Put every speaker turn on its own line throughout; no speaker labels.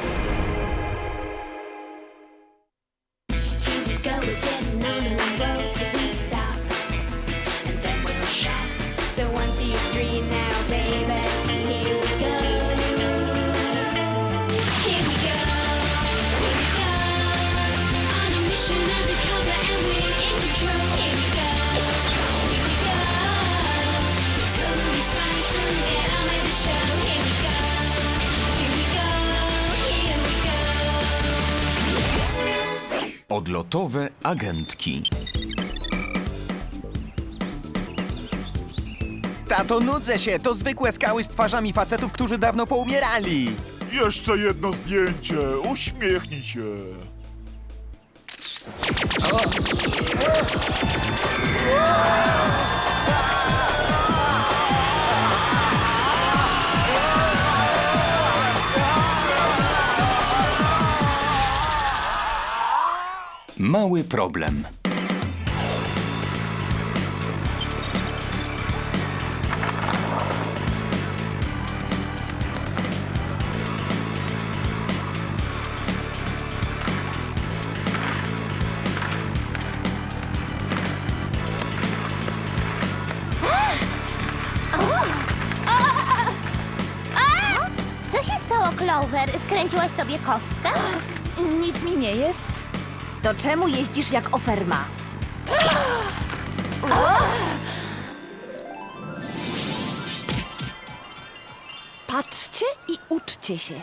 So 1, 2, 3 now, baby. Here we go. Here we go. Here we go. On a mission undercover and we're in control. Here we go. Here we go. Totally spice and get on with the show. Here we go. Here we go. Here we go.
Odlotowe agentki. Tato, nudzę się! To zwykłe skały z twarzami facetów, którzy dawno poumierali!
Jeszcze jedno zdjęcie. Uśmiechnij się.
Mały problem.
Co się stało, Clover? Skręciłaś sobie kostkę?
Nic mi nie jest. To czemu jeździsz jak oferma? Patrzcie i uczcie się.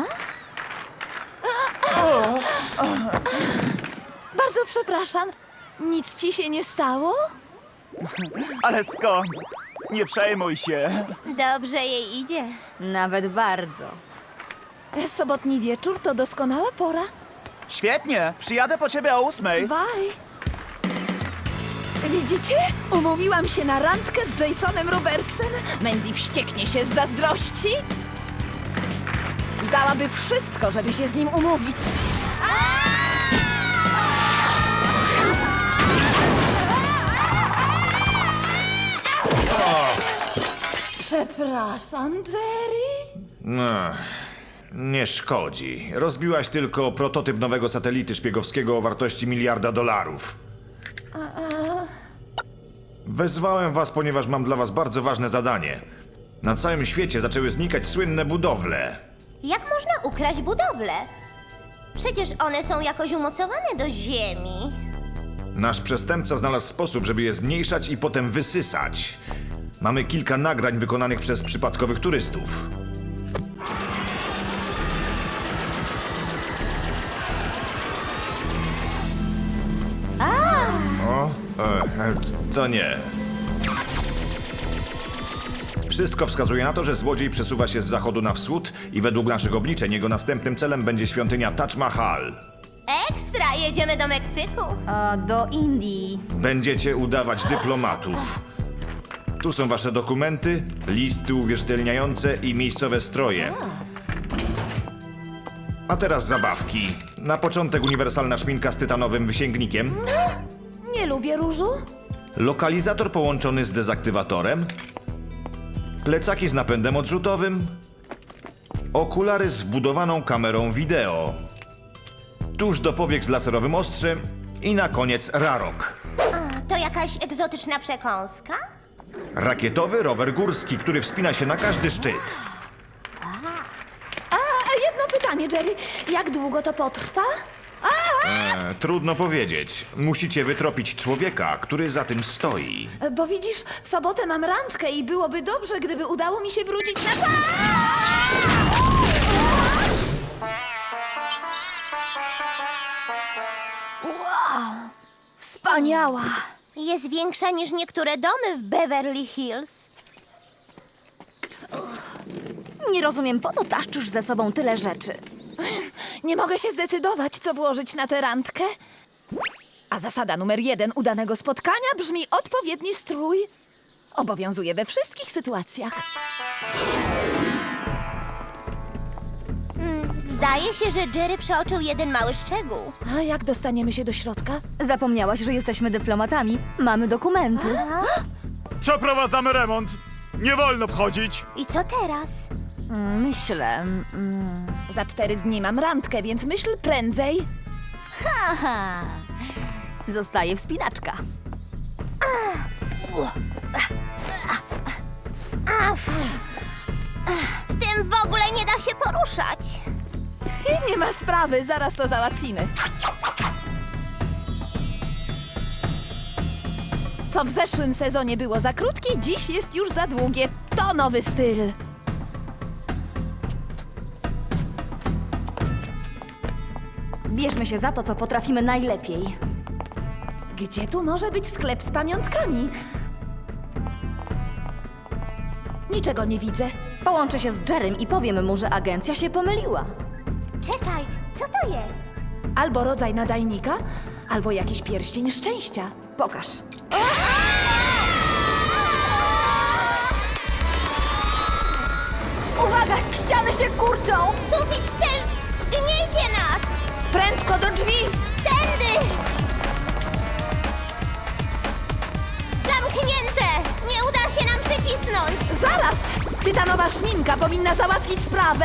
Bardzo przepraszam. Nic ci się nie stało?
Ale skąd? Nie przejmuj się.
Dobrze jej idzie.
Nawet bardzo.
Sobotni wieczór to doskonała pora.
Świetnie! Przyjadę po ciebie o 8.
Bye. Widzicie? Umówiłam się na randkę z Jasonem Robertsem. Mandy wścieknie się z zazdrości. Dałaby wszystko, żeby się z nim umówić. Przepraszam, Jerry.
Nie szkodzi. Rozbiłaś tylko prototyp nowego satelity szpiegowskiego o wartości $1 miliarda. Wezwałem was, ponieważ mam dla was bardzo ważne zadanie. Na całym świecie zaczęły znikać słynne budowle.
Jak można ukraść budowlę? Przecież one są jakoś umocowane do ziemi.
Nasz przestępca znalazł sposób, żeby je zmniejszać i potem wysysać. Mamy kilka nagrań wykonanych przez przypadkowych turystów. To nie. Wszystko wskazuje na to, że złodziej przesuwa się z zachodu na wschód i według naszych obliczeń jego następnym celem będzie świątynia Taj Mahal.
Ekstra! Jedziemy do Meksyku.
Do Indii.
Będziecie udawać dyplomatów. Tu są wasze dokumenty, listy uwierzytelniające i miejscowe stroje. A teraz zabawki. Na początek uniwersalna szminka z tytanowym wysięgnikiem.
Nie lubię różu.
Lokalizator połączony z dezaktywatorem. Plecaki z napędem odrzutowym. Okulary z wbudowaną kamerą wideo. Tuż do powiek z laserowym ostrzem. I na koniec rarok.
To jakaś egzotyczna przekąska?
Rakietowy rower górski, który wspina się na każdy szczyt.
A jedno pytanie, Jerry. Jak długo to potrwa?
Trudno powiedzieć. Musicie wytropić człowieka, który za tym stoi.
Bo widzisz, w sobotę mam randkę i byłoby dobrze, gdyby udało mi się wrócić na czas.
Wow! Wspaniała!
Jest większa niż niektóre domy w Beverly Hills.
Nie rozumiem, po co taszczysz ze sobą tyle rzeczy.
Nie mogę się zdecydować, co włożyć na tę randkę. A zasada numer 1 udanego spotkania brzmi odpowiedni strój. Obowiązuje we wszystkich sytuacjach.
Zdaje się, że Jerry przeoczył jeden mały szczegół.
A jak dostaniemy się do środka?
Zapomniałaś, że jesteśmy dyplomatami. Mamy dokumenty.
Przeprowadzamy remont. Nie wolno wchodzić.
I co teraz?
Myślę.
Za 4 dni mam randkę, więc myśl prędzej.
Aha. Zostaje wspinaczka.
W tym w ogóle nie da się poruszać.
Nie ma sprawy, zaraz to załatwimy. Co w zeszłym sezonie było za krótkie, dziś jest już za długie. To nowy styl.
Bierzmy się za to, co potrafimy najlepiej.
Gdzie tu może być sklep z pamiątkami? Niczego nie widzę.
Połączę się z Jerrym i powiem mu, że agencja się pomyliła.
Czekaj, co to jest?
Albo rodzaj nadajnika, albo jakiś pierścień szczęścia.
Pokaż. Uwaga! Ściany się kurczą!
Sufit też! Zgniecie nas!
Prędko do drzwi!
Tędy! Zamknięte! Nie uda się nam przycisnąć!
Zaraz! Tytanowa szminka powinna załatwić sprawę.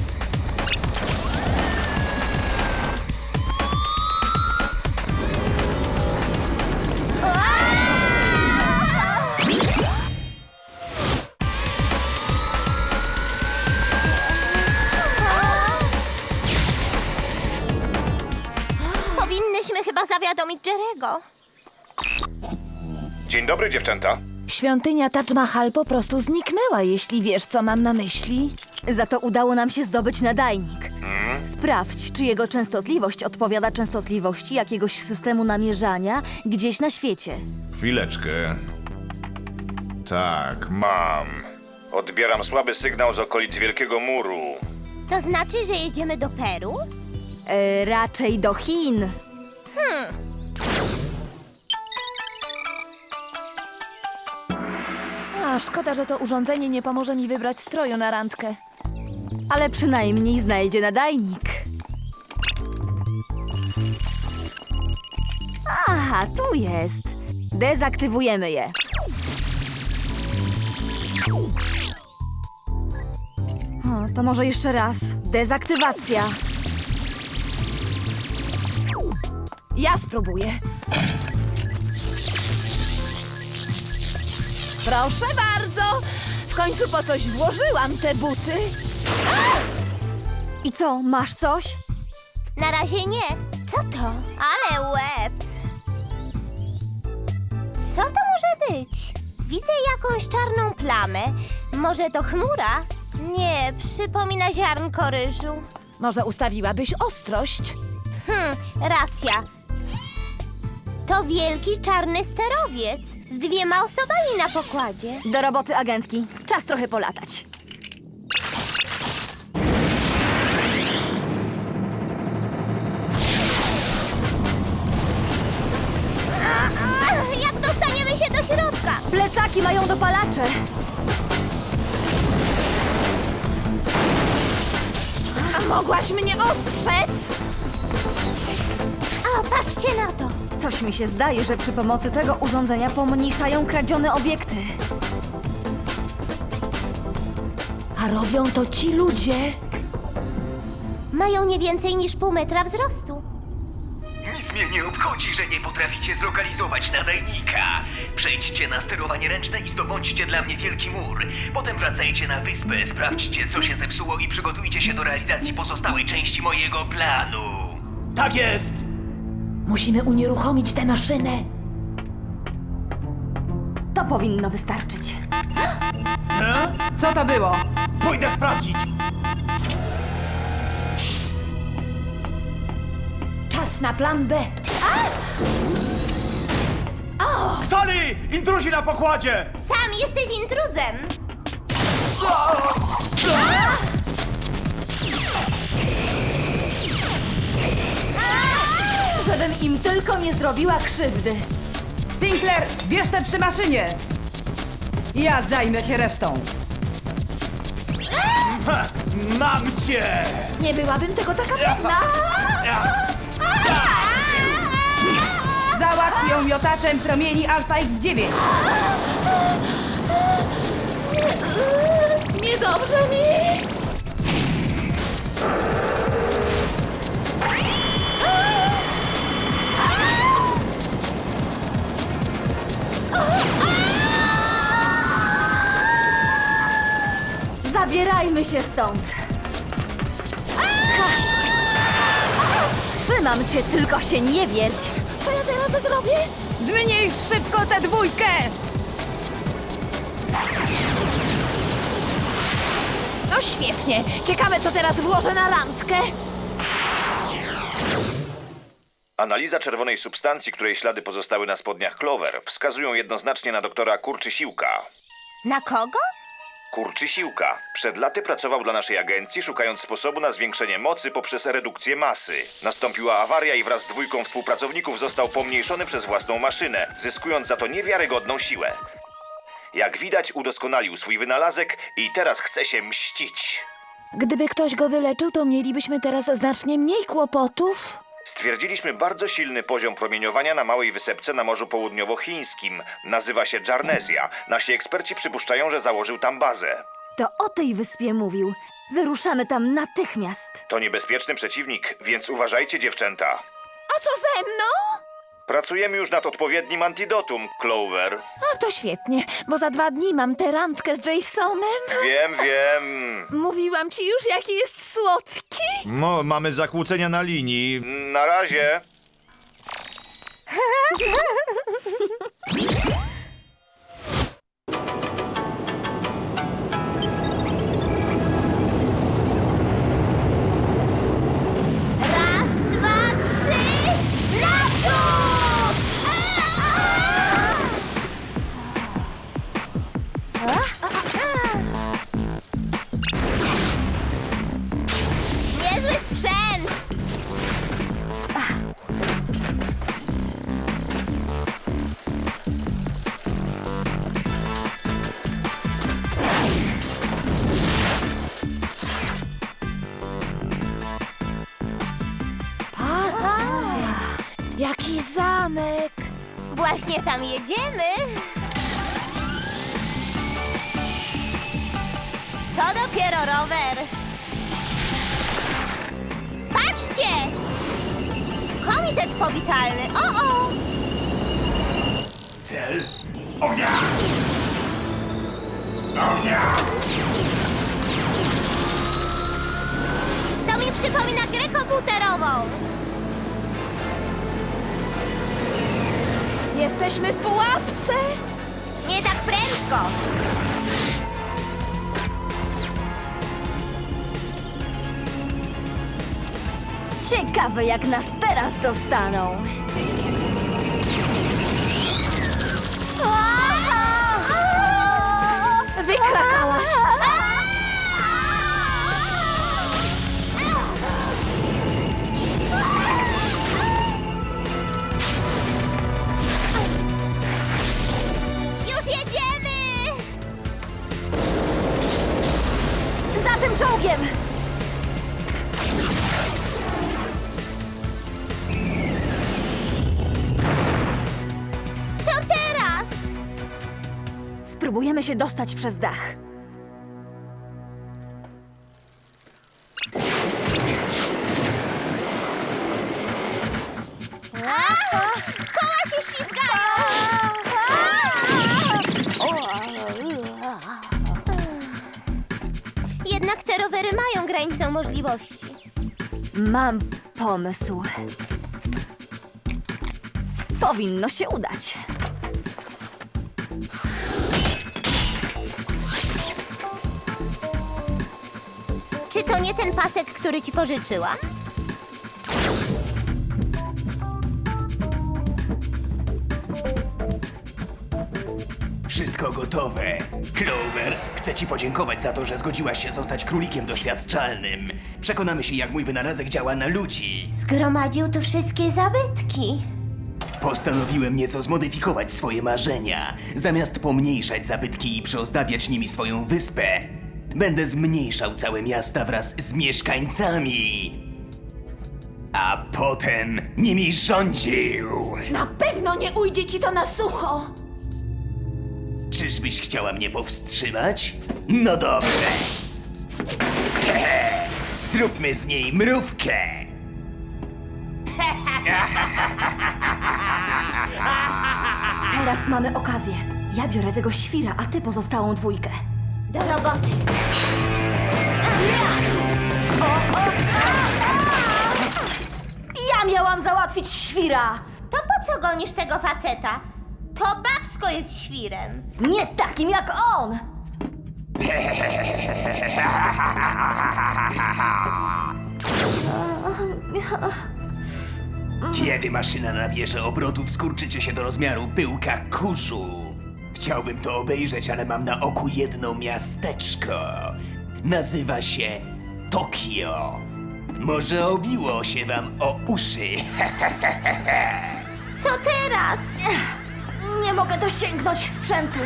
Powinnyśmy chyba zawiadomić Jerego.
Dzień dobry, dziewczęta.
Świątynia Taj Mahal po prostu zniknęła, jeśli wiesz, co mam na myśli.
Za to udało nam się zdobyć nadajnik. Sprawdź, czy jego częstotliwość odpowiada częstotliwości jakiegoś systemu namierzania gdzieś na świecie.
Chwileczkę. Tak, mam. Odbieram słaby sygnał z okolic Wielkiego Muru.
To znaczy, że jedziemy do Peru?
Raczej do Chin.
A, szkoda, że to urządzenie nie pomoże mi wybrać stroju na randkę.
Ale przynajmniej znajdzie nadajnik. Aha, tu jest. Dezaktywujemy je. To może jeszcze raz. Dezaktywacja.
Ja spróbuję. Proszę bardzo! W końcu po coś włożyłam te buty.
I co, masz coś?
Na razie nie. Co to? Ale łeb! Co to może być? Widzę jakąś czarną plamę. Może to chmura? Nie, przypomina ziarnko ryżu.
Może ustawiłabyś ostrość?
Racja. To wielki czarny sterowiec z 2 osobami na pokładzie.
Do roboty, agentki. Czas trochę polatać.
Jak dostaniemy się do środka?
Plecaki mają dopalacze.
A mogłaś mnie ostrzec?
O, patrzcie na to.
Coś mi się zdaje, że przy pomocy tego urządzenia pomniejszają kradzione obiekty.
A robią to ci ludzie.
Mają nie więcej niż pół metra wzrostu.
Nic mnie nie obchodzi, że nie potraficie zlokalizować nadajnika. Przejdźcie na sterowanie ręczne i zdobądźcie dla mnie wielki mur. Potem wracajcie na wyspę, sprawdźcie, co się zepsuło i przygotujcie się do realizacji pozostałej części mojego planu.
Tak jest!
Musimy unieruchomić tę maszynę.
To powinno wystarczyć.
Co to było? Pójdę sprawdzić.
Czas na plan B.
Sali! Intruzi na pokładzie!
Sam jesteś intruzem.
Żebym im tylko nie zrobiła krzywdy.
Sinclair, bierz te przy maszynie! Ja zajmę się resztą.
Mam cię!
Nie byłabym tego taka pewna.
Załatw ją miotaczem promieni Alpha X9.
Niedobrze mi.
się stąd! Ha! Trzymam cię, tylko się nie wierć!
Co ja teraz zrobię?
Zmniejsz szybko tę dwójkę!
No świetnie. Ciekawe, co teraz włożę na randkę.
Analiza czerwonej substancji, której ślady pozostały na spodniach Clover, wskazują jednoznacznie na doktora Kurczysiłka.
Na kogo?
Kurczysiłka. Przed laty pracował dla naszej agencji, szukając sposobu na zwiększenie mocy poprzez redukcję masy. Nastąpiła awaria i wraz z dwójką współpracowników został pomniejszony przez własną maszynę, zyskując za to niewiarygodną siłę. Jak widać, udoskonalił swój wynalazek i teraz chce się mścić.
Gdyby ktoś go wyleczył, to mielibyśmy teraz znacznie mniej kłopotów.
Stwierdziliśmy bardzo silny poziom promieniowania na małej wysepce na Morzu Południowochińskim. Nazywa się Jarnezja. Nasi eksperci przypuszczają, że założył tam bazę.
To o tej wyspie mówił. Wyruszamy tam natychmiast.
To niebezpieczny przeciwnik, więc uważajcie, dziewczęta.
A co ze mną?
Pracujemy już nad odpowiednim antidotum, Clover.
A to świetnie, bo za 2 dni mam tę randkę z Jasonem.
Wiem, wiem.
Mówiłam ci już, jaki jest słodki.
No, mamy zakłócenia na linii. Na razie.
Raz, dwa, trzy, naprzód! Niezły sprzęt!
Patrzcie, jaki zamek.
Właśnie tam jedziemy. To dopiero rower. Patrzcie! Komitet powitalny. O!
Cel ognia! Ognia!
To mi przypomina grę komputerową.
Jesteśmy w pułapce.
Nie tak prędko.
Ciekawe, jak nas teraz dostaną.
Wykrakałaś.
Już jedziemy!
Za tym czołgiem!
Co teraz?
Spróbujemy się dostać przez dach.
Koła się ślizgają! Jednak te rowery mają granicę możliwości.
Mam pomysł. Powinno się udać.
Czy to nie ten pasek, który ci pożyczyłam?
Wszystko gotowe. Clover, chcę ci podziękować za to, że zgodziłaś się zostać królikiem doświadczalnym. Przekonamy się, jak mój wynalazek działa na ludzi.
Zgromadził tu wszystkie zabytki.
Postanowiłem nieco zmodyfikować swoje marzenia. Zamiast pomniejszać zabytki i przyozdabiać nimi swoją wyspę, będę zmniejszał całe miasta wraz z mieszkańcami. A potem nimi rządził.
Na pewno nie ujdzie ci to na sucho.
Czyżbyś chciała mnie powstrzymać? No dobrze. Hehe. Zróbmy z niej mrówkę.
Teraz mamy okazję. Ja biorę tego świra, a ty pozostałą dwójkę.
Do roboty.
załatwić świra!
To po co gonisz tego faceta? To babsko jest świrem.
Nie takim jak on!
Kiedy maszyna nabierze obrotów, skurczycie się do rozmiaru pyłka kurzu. Chciałbym to obejrzeć, ale mam na oku jedno miasteczko. Nazywa się Tokio. Może obiło się wam o uszy.
Co teraz?
Nie mogę dosięgnąć sprzętu.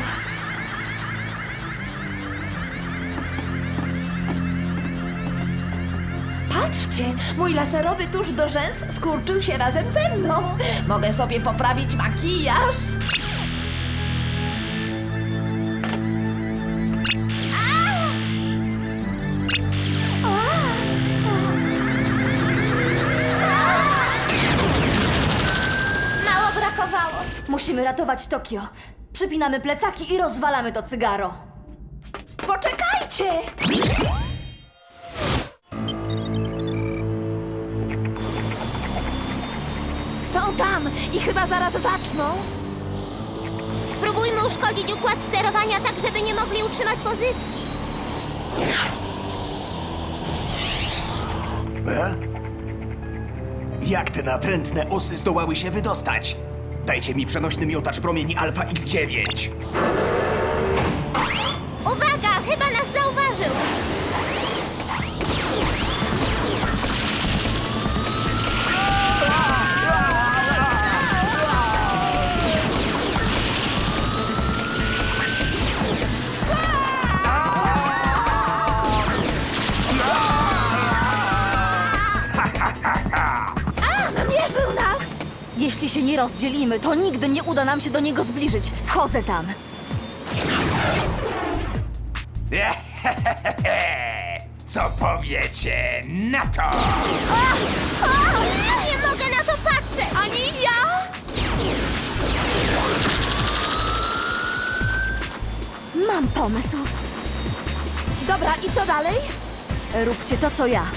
Patrzcie, mój laserowy tusz do rzęs skurczył się razem ze mną. Mogę sobie poprawić makijaż.
Mało brakowało.
Musimy ratować Tokio. Przypinamy plecaki i rozwalamy to cygaro.
Poczekajcie! Są tam i chyba zaraz zaczną.
Spróbujmy uszkodzić układ sterowania tak, żeby nie mogli utrzymać pozycji.
Jak te natrętne osy zdołały się wydostać? Dajcie mi przenośny miotacz promieni Alfa X9.
Uwaga, chyba nas zauważył.
Namierzył nas!
Jeśli się nie rozdzielimy, to nigdy nie uda nam się do niego zbliżyć. Wchodzę tam.
Co powiecie na to?
Nie mogę na to patrzeć.
Ani ja!
Mam pomysł.
Dobra, i co dalej?
Róbcie to, co ja.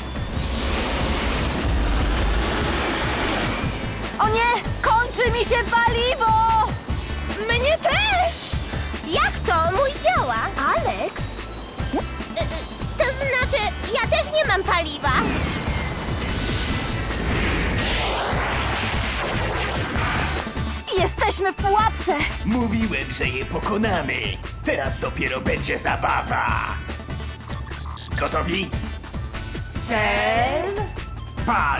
O nie! Kończy mi się paliwo!
Mnie też!
Jak to? Mój działa.
Alex?
To znaczy, ja też nie mam paliwa.
Jesteśmy w pułapce!
Mówiłem, że je pokonamy. Teraz dopiero będzie zabawa. Gotowi? Cel. Pal.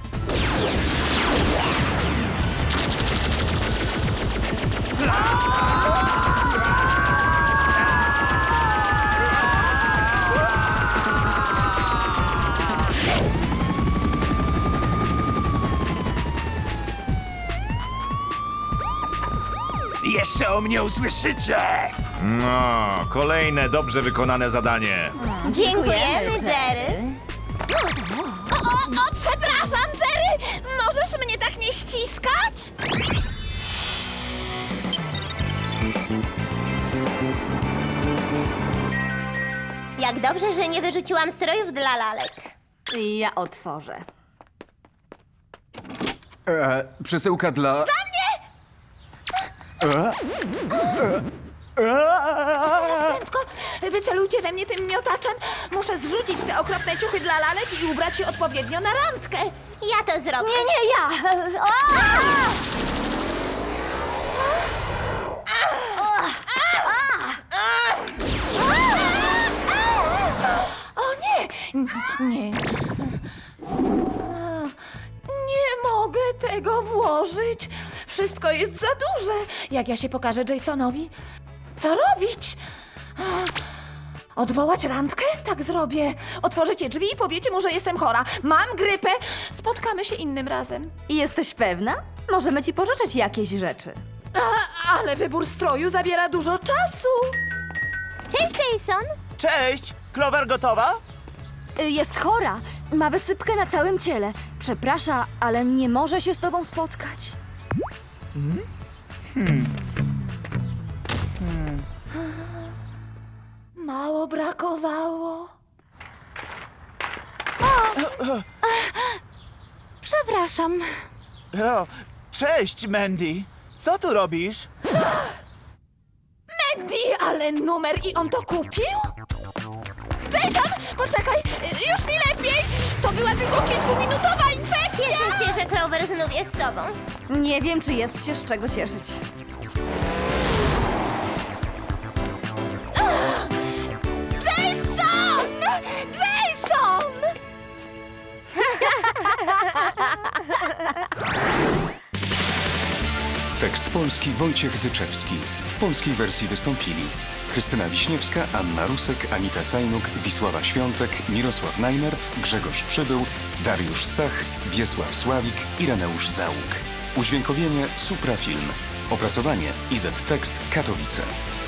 Jeszcze o mnie usłyszycie!
No, kolejne dobrze wykonane zadanie.
Dziękujemy, Jerry.
O, przepraszam, Jerry! Możesz mnie tak nie ściskać?
Jak dobrze, że nie wyrzuciłam strojów dla lalek.
Ja otworzę.
Przesyłka dla...
Prędko, wycelujcie we mnie tym miotaczem. Muszę zrzucić te okropne ciuchy dla lalek i ubrać je odpowiednio na randkę.
Ja to zrobię.
Nie, ja!
O nie! Nie. Nie mogę tego włożyć. Wszystko jest za duże. Jak ja się pokażę Jasonowi? Co robić? Odwołać randkę? Tak zrobię. Otworzycie drzwi i powiecie mu, że jestem chora. Mam grypę. Spotkamy się innym razem.
Jesteś pewna? Możemy ci pożyczyć jakieś rzeczy.
Ale wybór stroju zabiera dużo czasu.
Cześć, Jason.
Cześć! Clover gotowa?
Jest chora. Ma wysypkę na całym ciele. Przeprasza, ale nie może się z tobą spotkać.
Mało brakowało.
Przepraszam. O, cześć, Mandy. Co tu robisz?
Mandy, ale numer i on to kupił? Jason, poczekaj, już mi lepiej! To była tylko kilkuminutowa infekcja!
Cieszę się, że Clover znów jest sobą.
Nie wiem, czy jest się z czego cieszyć.
Jason! Jason!
Tekst polski Wojciech Dyczewski. W polskiej wersji wystąpili Krystyna Wiśniewska, Anna Rusek, Anita Sajnuk, Wisława Świątek, Mirosław Najnert, Grzegorz Przybył, Dariusz Stach, Wiesław Sławik, Ireneusz Załuk. Udźwiękowienie Suprafilm. Opracowanie IZ Tekst Katowice.